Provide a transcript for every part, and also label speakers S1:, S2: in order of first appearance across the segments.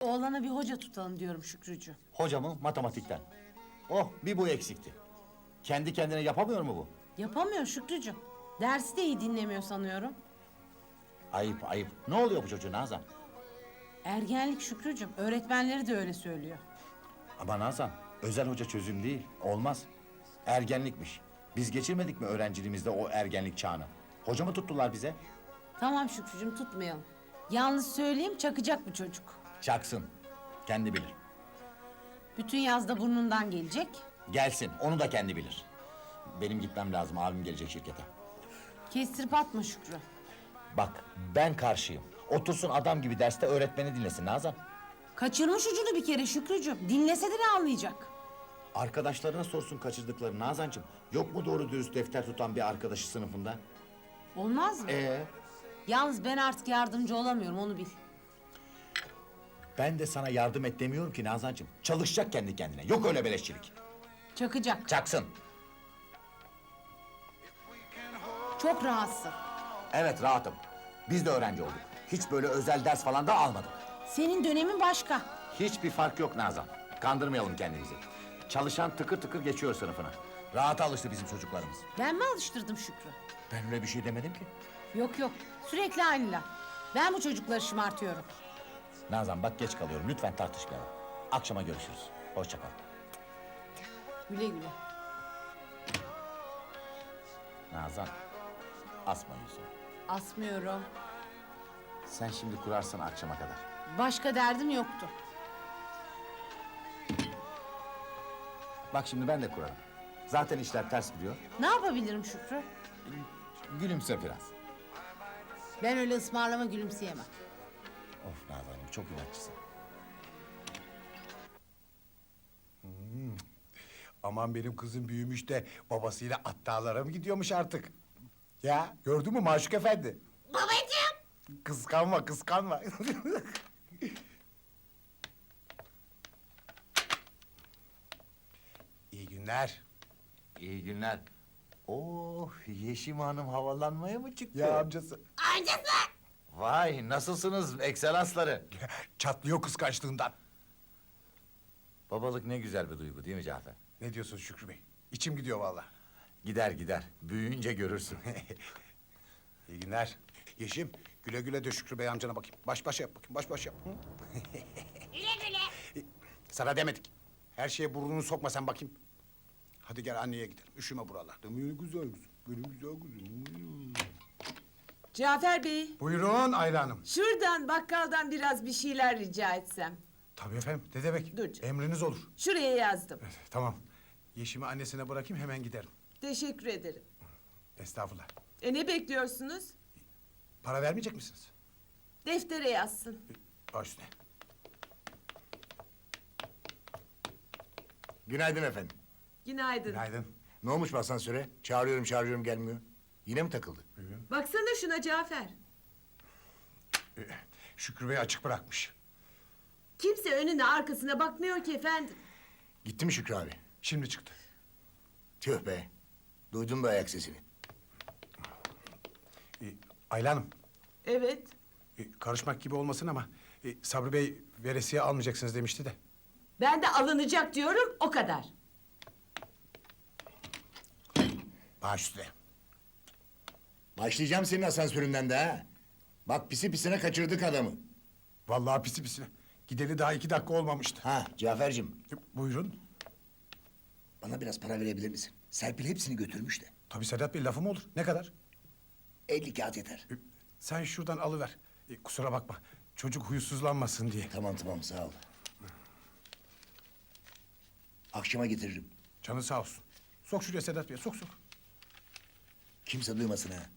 S1: oğlana bir hoca tutalım diyorum Şükrücüğüm.
S2: Hoca mı? Matematikten. Oh, bir bu eksikti. Kendi kendine yapamıyor mu bu?
S1: Yapamıyor Şükrücüğüm. Dersi de iyi dinlemiyor sanıyorum.
S2: Ayıp, ayıp. Ne oluyor bu çocuğun Nazan?
S1: Ergenlik Şükrücüğüm. Öğretmenleri de öyle söylüyor.
S2: Ama Nazan, özel hoca çözüm değil. Olmaz. Ergenlikmiş. Biz geçirmedik mi öğrenciliğimizde o ergenlik çağını? Hoca mı tuttular bize?
S1: Tamam Şükrücüğüm, tutmayalım. Yalnız söyleyeyim, çakacak bu çocuk.
S2: Çaksın. Kendi bilir.
S1: Bütün yazda burnundan gelecek.
S2: Gelsin, onu da kendi bilir. Benim gitmem lazım, abim gelecek şirkete.
S1: Kestirip atma Şükrü.
S2: Bak, ben karşıyım. Otursun adam gibi derste öğretmeni dinlesin Nazan.
S1: Kaçırmış ucunu bir kere Şükrücüğüm. Dinlese de ne anlayacak?
S2: Arkadaşlarına sorsun kaçırdıklarını Nazancığım. Yok mu doğru dürüst defter tutan bir arkadaşı sınıfında?
S1: Olmaz mı? Yalnız ben artık yardımcı olamıyorum, onu bil.
S2: Ben de sana yardım et demiyorum ki Nazancığım. Çalışacak kendi kendine. Yok öyle beleşçilik.
S1: Çakacak.
S2: Çaksın.
S1: Çok rahatsın.
S2: Evet, rahatım. Biz de öğrenci olduk. Hiç böyle özel ders falan da almadık.
S1: Senin dönemin başka.
S2: Hiçbir fark yok Nazan. Kandırmayalım kendimizi. Çalışan tıkır tıkır geçiyor sınıfına. Rahata alıştı bizim çocuklarımız.
S1: Ben mi alıştırdım Şükrü?
S2: Ben öyle bir şey demedim ki.
S1: Yok yok, sürekli aynı laf. Ben bu çocukları şımartıyorum.
S2: Nazan bak geç kalıyorum. Lütfen tartışmayalım. Akşama görüşürüz. Hoşça kal.
S1: Güle güle.
S2: Nazan, asma yüzünü.
S1: Asmıyorum.
S2: Sen şimdi kurarsın akşama kadar.
S1: Başka derdim yoktu.
S2: Bak şimdi ben de kurarım. Zaten işler ters gidiyor.
S1: Ne yapabilirim Şükrü?
S2: Gülümse biraz.
S1: Ben öyle ısmarlama gülümseyemem.
S2: Of Nazan'ım çok inatçısın.
S3: Aman benim kızım büyümüş de babasıyla at dağlara mı gidiyormuş artık? Ya gördün mü Maşuk Efendi?
S1: Babacığım!
S3: Kıskanma, kıskanma. İyi günler.
S2: İyi günler. Oh, Yeşim Hanım havalanmaya mı çıktı?
S3: Ya amcası.
S2: Vay, nasılsınız ekselansları?
S3: Çatlıyor kıskançlığından.
S2: Babalık ne güzel bir duygu değil mi Cafer?
S3: Ne diyorsun Şükrü Bey? İçim gidiyor vallahi.
S2: Gider gider, büyüyünce görürsün.
S3: İyi günler. Yeşim, güle güle de Şükrü Bey amcana bakayım. Baş başa yap bakayım, baş başa yap. Hı?
S4: Güle güle.
S3: Sana demedik. Her şeye burnunu sokma sen bakayım. Hadi gel anneye gidelim. Üşüme buralarda. Benim güzel kızım. Benim güzel kızım.
S5: Cafer Bey,
S3: Buyurun Ayla Hanım.
S5: şuradan bakkaldan biraz bir şeyler rica etsem.
S3: Tabii efendim. Ne demek?
S5: Dur canım.
S3: Emriniz olur.
S5: Şuraya yazdım.
S3: Tamam. Yeşim'i annesine bırakayım hemen giderim.
S5: Teşekkür ederim.
S3: Estağfurullah.
S5: Ne bekliyorsunuz?
S3: Para vermeyecek misiniz?
S5: Deftere yazsın.
S3: Baş üstüne.
S6: Günaydın efendim.
S5: Günaydın.
S3: Günaydın.
S6: Ne olmuş bu asansöre? Çağırıyorum gelmiyor. Yine mi takıldı?
S5: Baksana şuna Cafer.
S3: Şükrü Bey açık bırakmış.
S5: Kimse önüne arkasına bakmıyor ki efendim.
S6: Gitti mi Şükrü abi?
S3: Şimdi çıktı.
S6: Tüh be. Duydum da ayak sesini.
S3: Ayla Hanım.
S5: Evet.
S3: Karışmak gibi olmasın ama... Sabri Bey veresiye almayacaksınız demişti de.
S5: Ben de alınacak diyorum o kadar.
S6: Baş üstüne. Başlayacağım senin asansöründen de ha. Bak pisi pisine kaçırdık adamı.
S3: Vallahi pisi pisine. Gideli daha 2 dakika olmamıştı.
S6: Ha Cafer'cim,
S3: Buyurun.
S6: bana biraz para verebilir misin? Serpil hepsini götürmüş de.
S3: Tabii Sedat Bey lafım olur. Ne kadar?
S6: 50 kağıt yeter.
S3: Sen şuradan alıver. Kusura bakma. Çocuk huysuzlanmasın diye.
S6: Tamam sağ ol. Akşama getiririm.
S3: Canı sağ olsun. Sok şuraya Sedat Bey. Sok.
S6: Kimse duymasın ha.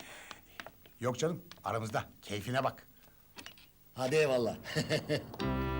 S3: Yok canım. Aramızda. Keyfine bak.
S6: Hadi eyvallah.